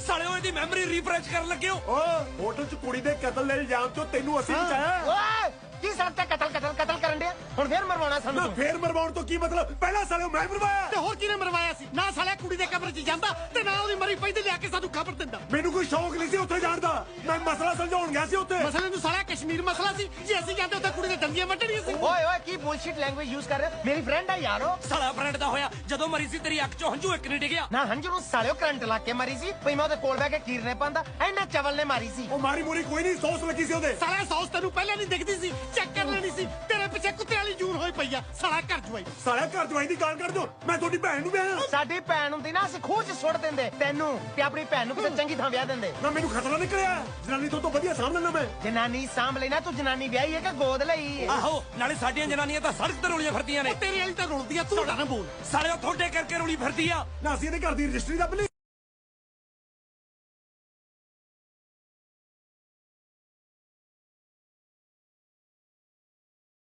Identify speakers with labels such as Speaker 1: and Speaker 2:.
Speaker 1: ਸਾਲਿਓ ਇਹਦੀ memory refresh ਕਰਨ ਲੱਗੇ ਹੋ।
Speaker 2: ਓ ਹੋਟਲ 'ਚ ਕੁੜੀ ਦੇ ਕਤਲ ਦੇ ਇਲਜ਼ਾਮ 'ਚੋਂ ਤੈਨੂੰ ਅਸੀਂ ਬਚਾਇਆ।
Speaker 3: ਓਏ ਕੀ ਸੜਕ ਤੇ ਕਤਲ ਕਰਨ ਡਿਆ? ਹੁਣ ਫੇਰ ਮਰਵਾਉਣਾ ਸਾਨੂੰ?
Speaker 2: ਫੇਰ ਮਰਵਾਉਣ ਤੋਂ ਕੀ ਮਤਲਬ? ਪਹਿਲਾਂ ਸਾਲਿਓ ਮੈਂ ਮਰਵਾਇਆ।
Speaker 4: ਤੇ ਹੋਰ ਕਿਹਨੇ ਮਰਵਾਇਆ ਸੀ? ਨਾ ਸਾਲਿਆ ਕੁੜੀ ਦੇ ਕਬਰ 'ਚ ਜਾਂਦਾ ਤੇ ਨਾ ਉਹਦੀ ਮਰੀ ਪਈ ਤੇ ਲਿਆ ਕੇ ਸਾਨੂੰ ਖਬਰ ਦਿੰਦਾ।
Speaker 2: ਮੈਨੂੰ ਕੋਈ ਸ਼ੌਕ ਨਹੀਂ ਸੀ ਉੱਥੇ ਜਾਣ ਦਾ। ਮੈਂ ਮਸਲਾ ਸਮਝਾਉਣ ਗਿਆ ਸੀ ਉੱਥੇ।
Speaker 4: ਮਸਲੇ ਨੂੰ ਸਾਲਿਆ ਕਸ਼ਮੀਰ ਮਸਲਾ ਸੀ। ਜੇ ਅਸੀਂ ਜਾਂਦੇ ਉੱਥੇ ਕੁੜੀ ਦੇ ਦੰਦੀਆਂ ਵੱਢਣੀਆਂ ਸੀ।
Speaker 3: ਓਏ ਓਏ ਕੀ ਬੁਲਸ਼ਿਟ ਲੈਂਗੁਏਜ ਯੂਜ਼ ਕਰ ਰਹੇ ਹੋ? ਮੇਰੀ ਫਰੈਂਡ ਆ ਯਾਰੋ।
Speaker 1: ਸਾਲਾ ਫਰੈਂਡ ਦਾ ਹੋਇਆ ਜਦੋਂ ਮਰੀ ਸੀ ਤੇਰੀ ਅੱਖ 'ਚੋਂ ਹੰਝੂ ਇੱਕ ਨਹੀਂ ਡਿੱਗਿਆ।
Speaker 3: ਨਾ ਹੰਝੂ ਨੂੰ ਸਾਲਿਓ ਕਰੰਟ ਲਾ ਕੇ ਮਾਰੀ ਸੀ। ਭਈ ਮੈਂ ਉਹਦੇ ਕੋਲ ਬਹਿ ਕੇ ਕੀਰਨੇ ਪਾਉਂਦਾ ਐਨਾ ਚਵਲ ਨੇ ਮਾਰੀ ਸੀ।
Speaker 2: ਉਹ ਮਾਰੀ ਮੂਰੀ ਕੋਈ ਨਹੀਂ, ਸੌਸ ਲੱਗੀ ਸੀ ਉਹਦੇ।
Speaker 4: ਸਾਲਿਆ ਸੌਸ ਤੈਨੂੰ ਪਹਿਲਾਂ ਨਹੀਂ ਦਿਖਦੀ ਸੀ? ਚੈੱਕ ਕਰ ਲੈਣੀ ਸੀ। ਤੇਰੇ ਪਿੱਛੇ ਕੁੱਤੇ ਵਾਲੀ ਜੂਨ ਹੋਈ ਪਈ ਆ। ਸਾਲਾ ਘਰ ਜਵਾਈ
Speaker 2: ਸਾਲਿਆ ਘਰ ਜਵਾਈ ਦੀ ਗਾਲ ਕੱਢ ਦਿਓ। ਮੈਂ ਤੁਹਾਡੀ ਭੈਣ ਨੂੰ ਵਿਆਹਿਆ।
Speaker 3: ਸਾਡੀ ਭੈਣ ਹੁੰਦੀ ਨਾ ਅਸੀਂ ਖੂਹ 'ਚ ਸੁੱਟ ਦਿੰਦੇ ਤੈਨੂੰ ਤੇ ਆਪਣੀ ਭੈਣ ਨੂੰ ਕਿਸੇ ਚੰਗੀ ਥਾਂ ਵਿਆਹ ਦਿੰਦੇ।
Speaker 2: ਨਾ ਮੈਨੂੰ ਖਤਰਾ ਨਿਕਲਿਆ। ਜਨਾਨੀ ਤੋਂ ਵਧੀਆ ਸਾਂਭ ਲੈਣਾ ਮੈਂ।
Speaker 3: ਜਨਾਨੀ ਸਾਂਭ ਲੈਣਾ ਤੂੰ। ਜਨਾਨੀ ਵਿਆਹੀ ਹੈ ਕਿ ਗੋਦ ਲਈ ਹੈ?
Speaker 1: ਆਹੋ ਨਾਲੇ ਸਾਡੀਆਂ ਜਨਾਨੀਆਂ ਤਾਂ ਸੜਕ ਤੇ ਰੋਲੀਆਂ ਫਿਰਦੀਆਂ ਨੇ।
Speaker 4: ਤੇਰੀ ਵਾਲੀ ਤਾਂ ਰੁਲਦੀ ਆ। ਤੂੰ ਨਾ ਬੋਲ।
Speaker 1: ਸਾਲਿਓ ਤੁਹਾਡੇ ਕਰਕੇ ਰੋਲੀ ਫਿਰਦੀ ਆ।
Speaker 2: ਨਾ ਅਸੀਂ ਇਹਦੇ ਘਰ ਦੀ ਰਜਿਸਟਰੀ ਦੱਬ ਲਈ।